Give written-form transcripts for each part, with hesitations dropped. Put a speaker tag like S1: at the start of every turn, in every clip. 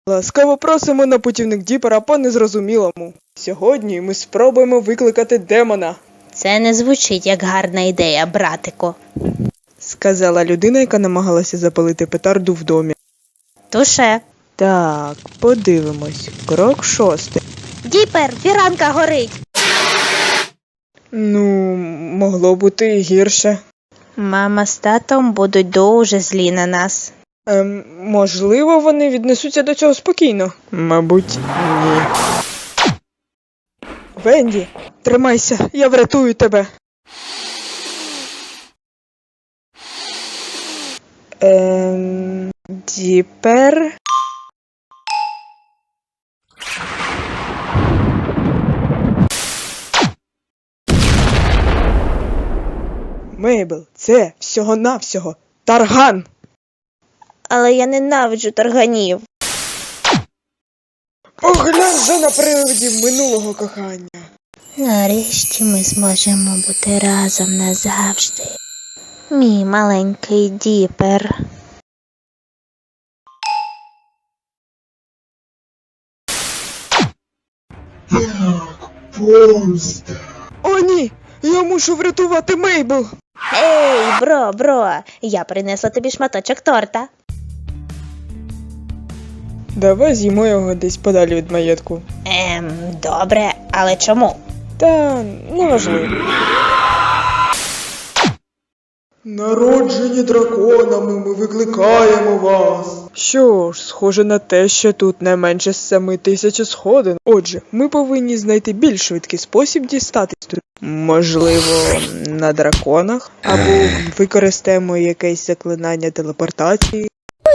S1: Ласкаво просимо на путівник Діпера по незрозумілому. Сьогодні ми спробуємо викликати демона,
S2: Це не звучить як гарна ідея, братику.
S1: сказала людина, яка намагалася запалити петарду в домі.
S2: Туше.
S1: Так, подивимось. Крок 6.
S2: Діпер, фіранка горить.
S1: Ну, могло бути і гірше.
S2: Мама з татом будуть дуже злі на нас.
S1: Можливо, вони віднесуться до цього спокійно. Мабуть, ні. Венді, тримайся, я врятую тебе. Діпер? Мейбл, це всього-навсього тарган.
S2: Але я ненавиджу тарганів.
S1: Поглянь же на привидів минулого кохання.
S2: Нарешті ми зможемо бути разом назавжди. Мій маленький Діпер.
S1: О, ні! Я мушу врятувати Мейбл!
S2: Ей, бро, я принесла тобі шматочок торта.
S1: Давай з'їмо його десь подалі від маєтку.
S2: Добре, але чому?
S1: Та неважливо. Народжені драконами, ми викликаємо вас. Що ж, схоже на те, що тут не менше 7000 сходин. Отже, ми повинні знайти більш швидкий спосіб дістатись тут. Можливо, на драконах? Або використаємо якесь заклинання телепортації.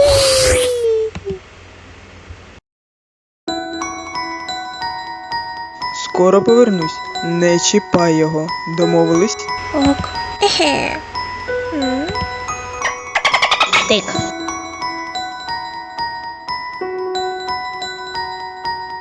S1: Скоро повернусь. Не чіпай його. Домовились?
S2: Ок. Тик.